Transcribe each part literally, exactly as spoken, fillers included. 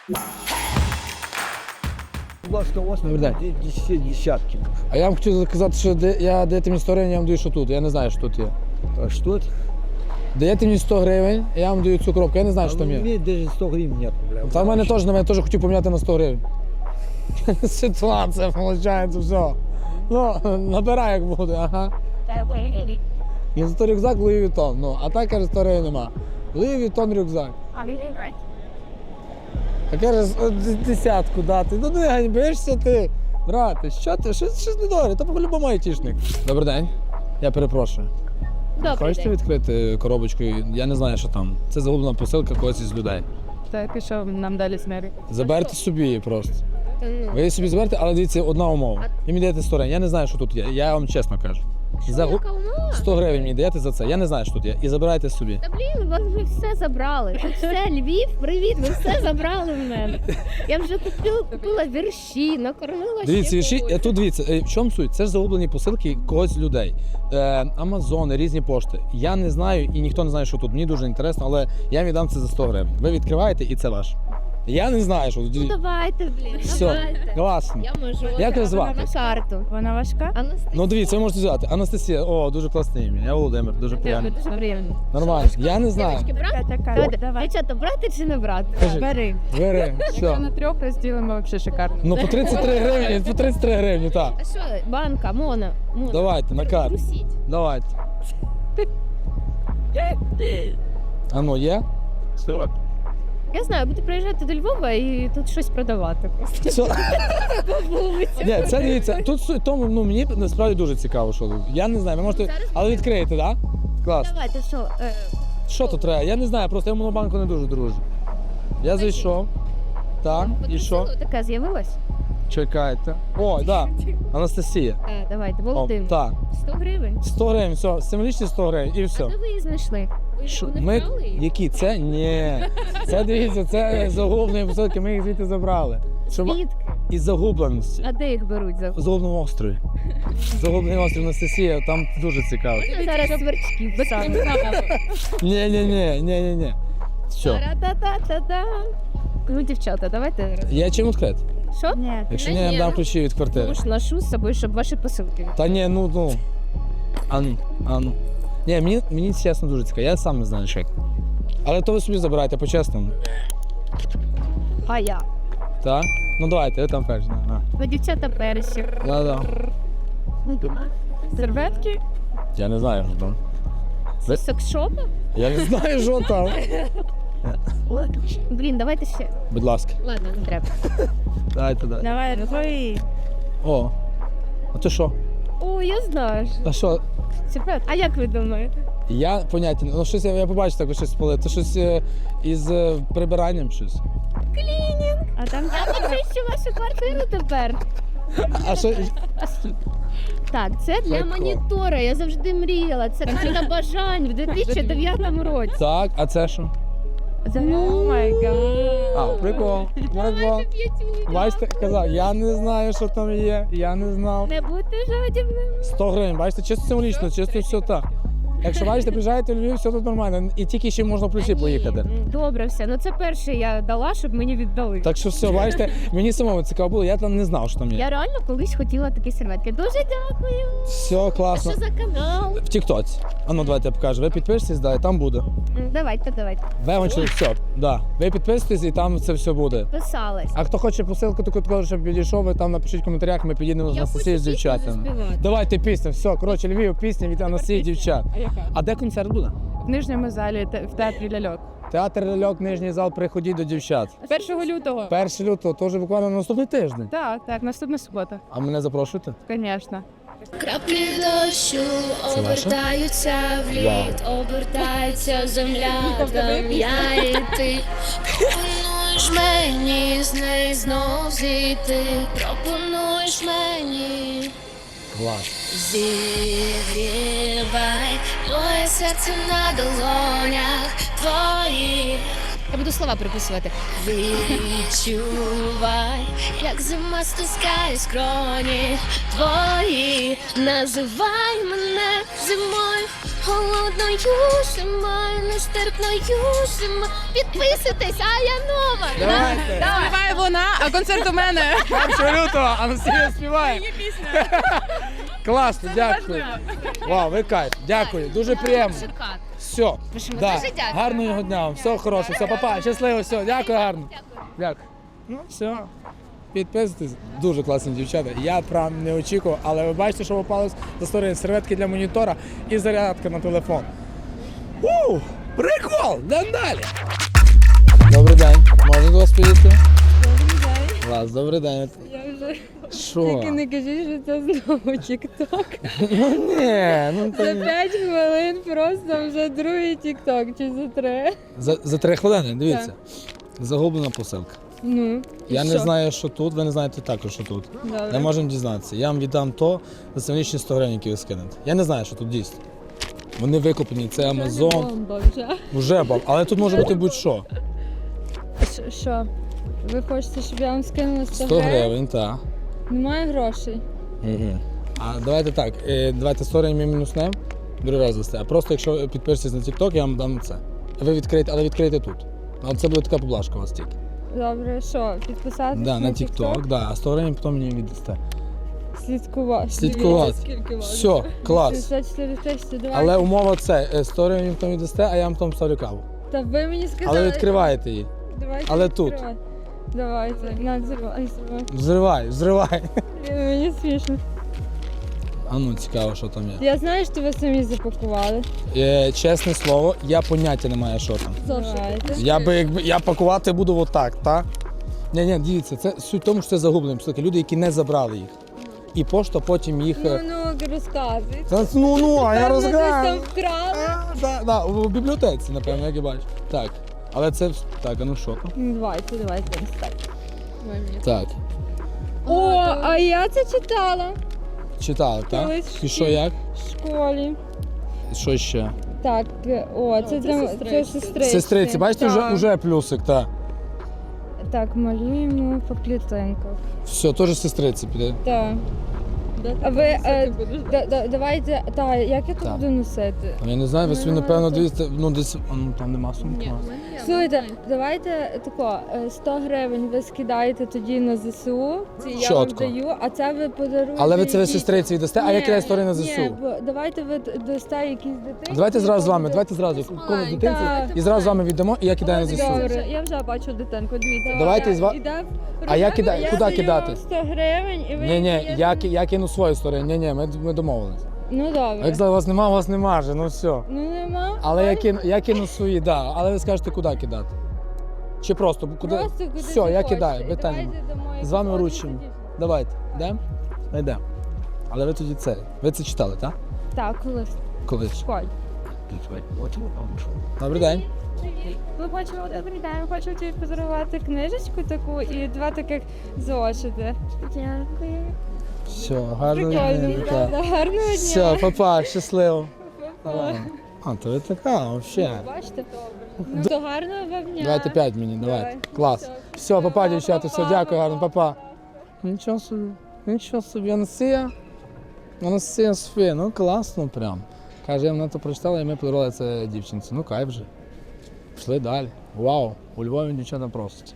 Будь ласка, у вас десятки. А я вам хотів сказати, що де, я даєте мені сто гривень, я вам даю, що тут. Я не знаю, що тут є. А что это? Даєте мені сто гривень, я вам даю цю коробку, я не знаю, що А там у є. меня даже сто гривен нет. Бля. Та в мене теж, на мене теж хотів поміняти на сто гривень. Ситуація, виходить, все. Ну, набирай, як буде, ага. І за то рюкзак Луї Вітон, ну, а так, каже, сто гривень нема. Луї Вітон рюкзак. А каже, десятку дати. Ну не ганьбишся ти, брате, що ти, що, що не добре, то по-любому айтішник. Добрий день, я перепрошую. Добрий Хочете день. відкрити коробочку? Я не знаю, що там. Це загублена посилка когось із людей. Так, і що нам далі з нею? Заберте собі її просто. Ви її собі заберете, але дивіться, одна умова. І мені даєте сто гривень. Я не знаю, що тут є. Я вам чесно кажу. Загу... Яка умова? сто гривень мені даєте за це. Я не знаю, що тут є. І забирайте собі. Та блін, вас вже все забрали. Тут все, Львів, привіт, ви все забрали в мене. Я вже купила, купила вірші, накормила Дивіться, ще вірші, когось. тут дивіться, е, в чому суть? Це ж загублені посилки когось з людей. Е, Амазони, різні пошти. Я не знаю і ніхто не знає, що тут. Мені дуже інтересно, але я вам віддам це за сто гривень. Ви відкриваєте і це ваше. Я не знаю, що тут. Ну давайте, блін, Все, давайте. класно. Я можу. Як вас Вона звати? на карту. Вона важка? Анастасія. Ну дивіться, ви можете взяти. Анастасія, о, дуже класне ім'я. Я Володимир, дуже приємно. Дякую, дуже приємно. Нормально. Я не знаю. Дівчатки, брати? Така, Давайте, давай. дівчата, брати чи не брати? Кажи. Бери. Бери, Якщо все. на трьох розділимо, взагалі шикарно. Ну по тридцять три гривні, по тридцять три гривні, так. А що, банка, мона, мона. Давайте, на карту. Трусіть. Давайте. А ну, є? Я знаю, буду приїжджати до Львова і тут щось продавати просто. Все. По вулиці. Ні, це дивіться, тут суть в тому, ну мені насправді дуже цікаво, що тут. Я не знаю, ви можете. Зараз Але відкриєте, так? Да? Клас. Давайте, що? Е, Що тут треба? Я не знаю, просто я в монобанку не дуже дружу. Я зайшов. Так, і що? потрусило таке з'явилось? Чекайте. О, так. Да. Анастасія. Так, давайте, О, Володимир. так. сто гривень. сто гривень, все, символічні сто гривень і все. А де ви її знайшли? Ви Що, вони ми... вкрали її? Які? Це? Ні. Це, дивіться, це загублені посилки, ми їх звідти забрали. Щоб... Звідки? Із загубленості. А де їх беруть? За... Загубленому острові. Загублений острів Анастасія, там дуже цікаво. Ми зараз сверчків саме. Ні, ні, ні, ні, ні, ні. Що? Та-та-та-та-та. Ну, дівчата, давайте. роз- Я чим відкрити? Що? Ні. Якщо Ні, ні, я ні, дам ну, ключі від квартири. Тому ж ношу з собою, щоб ваші посилки. Та ні, ну, ну. Ану, ану. Ні, мені, мені чесно дуже цікаво, я сам не знаю, що як. Але то ви собі забирайте по-чесному. А я. Так? Ну давайте, ви там перші. Да. Ви дівчата перші. Да, да. Серветки? Я не знаю, що там. Ви- Секшопа? Я не знаю, що там. Блін, давайте ще. Будь ласка, Ладно, не треба. дайте, дайте. Давай, твої. О, а то що? О, я знаю. А що? Секрет. А як ви думаєте? Я поняття, не- ну щось я, я побачив таке щось спалити. Це щось е, із е, прибиранням щось. А там Я почищу вашу квартиру тепер. А що? Так, це для Прикол. монітора. Я завжди мріяла. Це карта бажань в дві тисячі дев'ятому році. Так, а це що? О май гад. А, прикол. Прикол. Бачите, казав, я не знаю, що там є, я не знав. Не будьте жадібними. сто гривень, бачите, чисто символічно, чисто все так. Якщо бачите, приїжджаєте в Львів, все тут нормально. І тільки ще можна в плюсі поїхати. М, Добре, все. Ну це перше я дала, щоб мені віддали. Так що все, бачите, мені самому цікаво було, я там не знав, що там є. Я реально колись хотіла такі серветки. Дуже дякую. Все А класно. що за канал? В Тіктоці. А ну давайте я покажу. Ви підпишетесь, да, і там буде. М, Давайте, давайте. Вегончик, все, да. Ви підписуєтесь і там це все буде. Писалась. А хто хоче посилку таку, таку, щоб підійшов, ви там напишіть в коментарях, ми підійдемо з Я Анастасією з хочу пісню дівчатами. заспівати. Давайте пісню, все, коротше, Львів, пісня від Анастасії дівчат. А яка? А де концерт буде? В нижньому залі те- в театрі ляльок. Театр ляльок, нижній зал, приходіть до дівчат. Першого лютого. першого лютого, то вже буквально на наступний тиждень. Так, так, наступна субота. А мене запрошуєте? Звісно. Краплі дощу Це ваше? обертаються в лід, обертається земля, там я і ти. Пропонуєш мені з неї знов зійти, пропонуєш мені. Клас. Зігрівай моє серце на долонях твоїх. Я буду слова приписувати. Відчувай, як зима стискає скроні твої. Називай мене зимою, Холодною зимою, нестерпною зимою. Підписуйтесь, а я нова. Давайте. Співає вона, а концерт у мене. першого лютого Анастасія співає. Класно, дякую. Вау, ви кайф. Дякую, дуже приємно. Все, да. дуже дякую. Гарного дня вам, все хороше, все, папа, щасливо, все, дякую гарно. Дякую. Ну, все. Підписуйтесь, дуже класні дівчата. Я прям не очікував, але ви бачите, що попалось за сторони серветки для монітора і зарядка на телефон. У, прикол! Йдемо далі. Добрий день, можна до вас підійти? Добрий день. Клас, добрий день. Я вже Що? тільки не кажіть, що це знову тік-ток. Ну ні, ну то За ні. п'ять хвилин просто вже другий тік-ток чи за три. За, за три хвилини, дивіться. Загублена посилка. Ну, і Я не що? знаю, що тут, ви не знаєте також, що тут. Добре. Не можемо дізнатися. Я вам віддам то за символічні сто гривень, які ви скинете. Я не знаю, що тут дійсно. Вони викуплені, це Амазон. Бомба вже. Вже бав, але тут може бути будь-що. Ш- Що? Ви хочете, щоб я вам скинула сто, сто гривень, так. Немає грошей. А давайте так, е, давайте сто гривень ми мінуснемо, другий раз дасте. А просто якщо підпишетесь на TikTok, я вам дам це. Ви відкриєте, але відкрийте тут. А це буде така поблажка у вас тільки. Добре, що? Підписатися Да, на TikTok, да, а сто гривень потім мені віддасте. Слідкувати. Слідкувати. Дивіться, скільки вас. Все, клас. шістдесят чотири тисячі, давайте. Але умова це, е, сто гривень потім віддасте, а я вам там ставлю каву. Та ви мені сказали. Але відкриваєте її. Давайте але тут. відкривати. Давайте, на, взривай, взривай. Взривай, взривай. Мені смішно. А ну, цікаво, що там є. Я знаю, що ви самі запакували. Е, чесне слово, я поняття не маю, що там. Давайте. Я би якби я пакувати буду отак, так? Ні, ні, дивіться, це суть в тому, що це загублені посилки. Люди, які не забрали їх. І пошта потім їх. Ну, е, ну, розказуй. Та, ну, ну, а я Певно, десь там розгадаю. вкрали. Так, да, у бібліотеці, напевно, як я бачу. Так. Але це вс- так, а ну що там? Ну, Давайте, давайте, так. Так. О, а я це читала Читали, так? Колись І що в як? в школі. Що ще? Так, е, о, це, для це сестриці. Сестриці, бачите, вже, Так. вже плюсик, так. Так, малюємо по клітинках. Все, теж сестриці піде. Так. А ви, е, да, да, давайте, так, як я тут Так. буду носити? Я не знаю, ви собі, Ну, напевно, це- дивіться, ну десь, а, ну там нема сумки. Слухайте, давайте тако, е, сто гривень ви скидаєте тоді на ЗСУ, це я Чітко. вам даю, а це ви подаруєте. Але ви це ви якісь- сестриці віддасте, а Ні, яка історія на Ні, ЗСУ? бо давайте ви д- дасте якісь дитині. Давайте зразу з вами, буде- давайте зразу комусь дитинці Так. і зразу з вами віддамо, і я кидаю на ЗСУ. Добре. Я вже бачу дитинку, дивіться. Давайте з ва- Іде в А я рожевий, кидаю- я куди даю кидати? сто гривень і ви... Ні, ні, даєте- я, ки- я кину свою історію. Ні, ні, ми, ми домовились. Ну А добре. як сказали, у вас нема, у вас нема вже, ну все. Ну нема. Але я кину, я кину свої, да. Але ви скажете, куди кидати? Чи просто куди? Просто куди Все, ти я хочеш. кидаю, І питання. давайте дамо З якусь вами одну вручимо. тоді. Давайте, йдемо? Йдемо. Але ви тоді це. Ви це читали, так? Так, колись. Колись. в школі. Добрий день. Ми хочемо добрий день, хочу тобі подарувати книжечку таку і два таких зошити. Дякую. Все, гарного Прикольно, дня. правда? Гарного дня. Все, папа, щасливо. А, то ви така, взагалі. Бачите? Ну, то гарного вам дня. Давайте п'ять мені, давайте. Давай. Клас. Все, папа, дівчата, все, Па-па, дякую, гарно, па-па. папа. Нічого собі, нічого собі, Анастасія. Анастасія Софія, ну класно прям. Каже, я вона то прочитала, і ми подарували це дівчинці. Ну кайф же. Пішли далі. Вау, у Львові дівчата просять.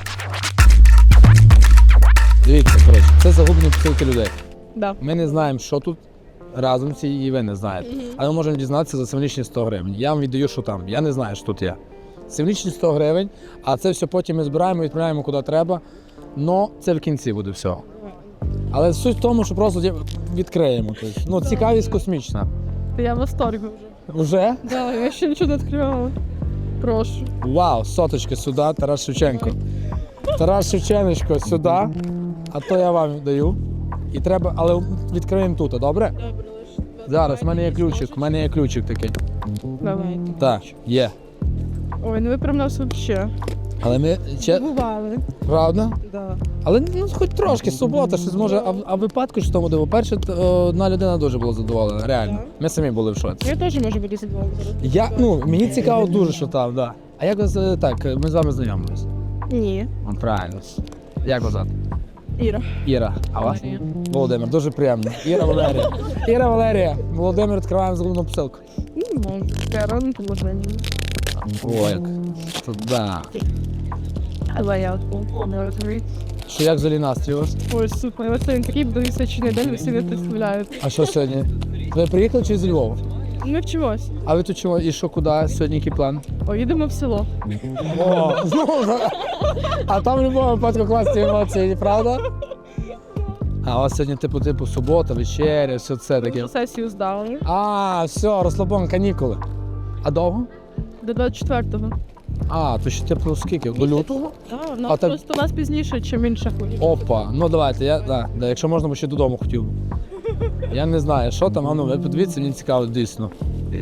Дивіться, коротше, це загублені посилки людей. Да. Ми не знаємо, що тут разом ці, і ви не знаєте. Але ми можемо дізнатися за символічні сто гривень. Я вам віддаю, що там. Я не знаю, що тут є. Символічні сто гривень, а це все потім ми збираємо і відправляємо куди треба. Но це в кінці буде все. Але суть в тому, що просто ді- відкриємо. Тобто, ну, цікавість космічна. Я в восторгі вже. Уже? Да, я ще нічого не відкривала. Прошу. Вау, соточки сюди, Тарас Шевченко. Тарас Шевченко сюди, а то я вам даю. І треба, але відкриємо тут, добре? Добре, лише. Зараз, в мене є ключик, в мене є ключик такий. Давайте. Так, є. Ой, ну ви прям нас взагалі. Але ми ще Бували. правда? Да. Але ну хоч трошки, субота, щось може, а, в- а в випадку що тому диво. Перше, т- одна людина дуже була задоволена, реально. Так. Ми самі були в шоці. Я теж можу бути задоволена. Я, ну, мені цікаво дуже, що там, да. А як вас е, так, ми з вами знайомились? Ні. О, правильно. Як вас звати? Іра. Іра. А вас? Валерія. Володимир, дуже приємно. Іра Валерія. Іра Валерія. Володимир, відкриваємо загубну посилку. Може, таке ранку може ні. Ой, туди. Але я не розумію. Що як взагалі настрій у вас? Ой, супер, ось він такий височений день, ви всі не представляєте. А що сьогодні? Ви приїхали чи з Львова? Ми вчимось. А ви тут чому? І що, куди? Сьогодні який план? Поїдемо в село. О, знову. за- А там в будь-якому випадку класні емоції, правда? А у вас сьогодні типу типу субота, вечеря, все це таке. Сесію здали. А, все, розслабон, канікули. А довго? До двадцять четвертого. А, то ще типу скільки? До лютого? Так, А нас так- просто нас пізніше, чим інших. Опа, ну давайте, я, да, да, якщо можна, бо ще додому хотів. Я не знаю, що там, а ну, ви подивіться, мені цікаво дійсно.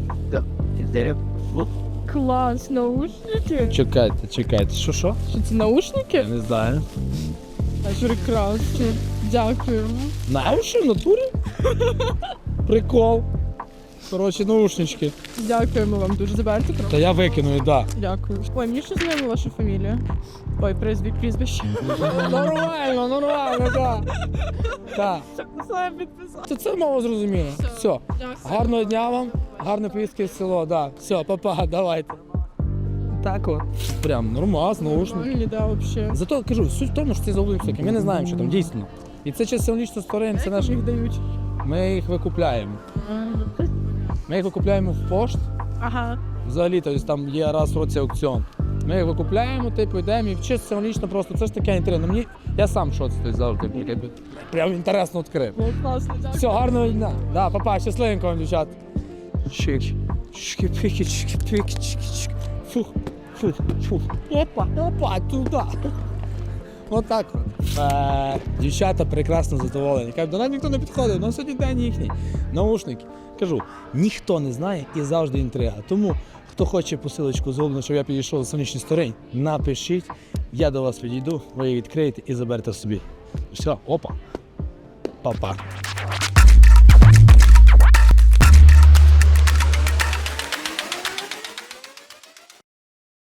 Клас, наушники. Чекайте, чекайте, що що? Що це наушники? Я не знаю. Прекрасно. Дякуємо. Знаєш, що в натурі? Прикол. Коротше, наушнички. Дякуємо вам дуже. Заберете трохи? Та я викину, і да. Дякую. Ой, мені ще знайома ваша фамілія. Ой, призвік, прізвище. Нормально, нормально, так. Так. Саме підписав. То це мало зрозуміло. Все. Гарного дня вам, гарної поїздки в село, да. Все, папа, давайте. Так от. Прям нормас, наушник. Мені, да, взагалі. Зато кажу, суть в тому, що ці заблудні всякі, ми не знаємо, що там дійсно. І це чисто лічно створення, це наш. їх дають. Ми їх викупляємо. Ми їх викупляємо в пошт. Ага. Взагалі, тобто там є раз в році аукціон. Ми їх викупляємо, типу, йдемо і чисто символічно просто. Це ж таке інтересно. Мені я сам що це завжди таке, прям інтересно відкрив. Було класно, дякую. Все, гарного дня. Да, папа, щасливенько вам, дівчат. Чик. Чики-пики, чики-пики, чики-чики. Фух, фух, фух. Опа, опа, туди. Отак от. Е, Дівчата прекрасно задоволені. Кажуть, до нас ніхто не підходив, на сьогодні день їхній. Наушники. Кажу, ніхто не знає і завжди інтрига. Тому, хто хоче посилочку зроблено, щоб я підійшов до сонячної сторони, напишіть, я до вас підійду, ви її відкриєте і заберете собі. Все, опа. Па-па.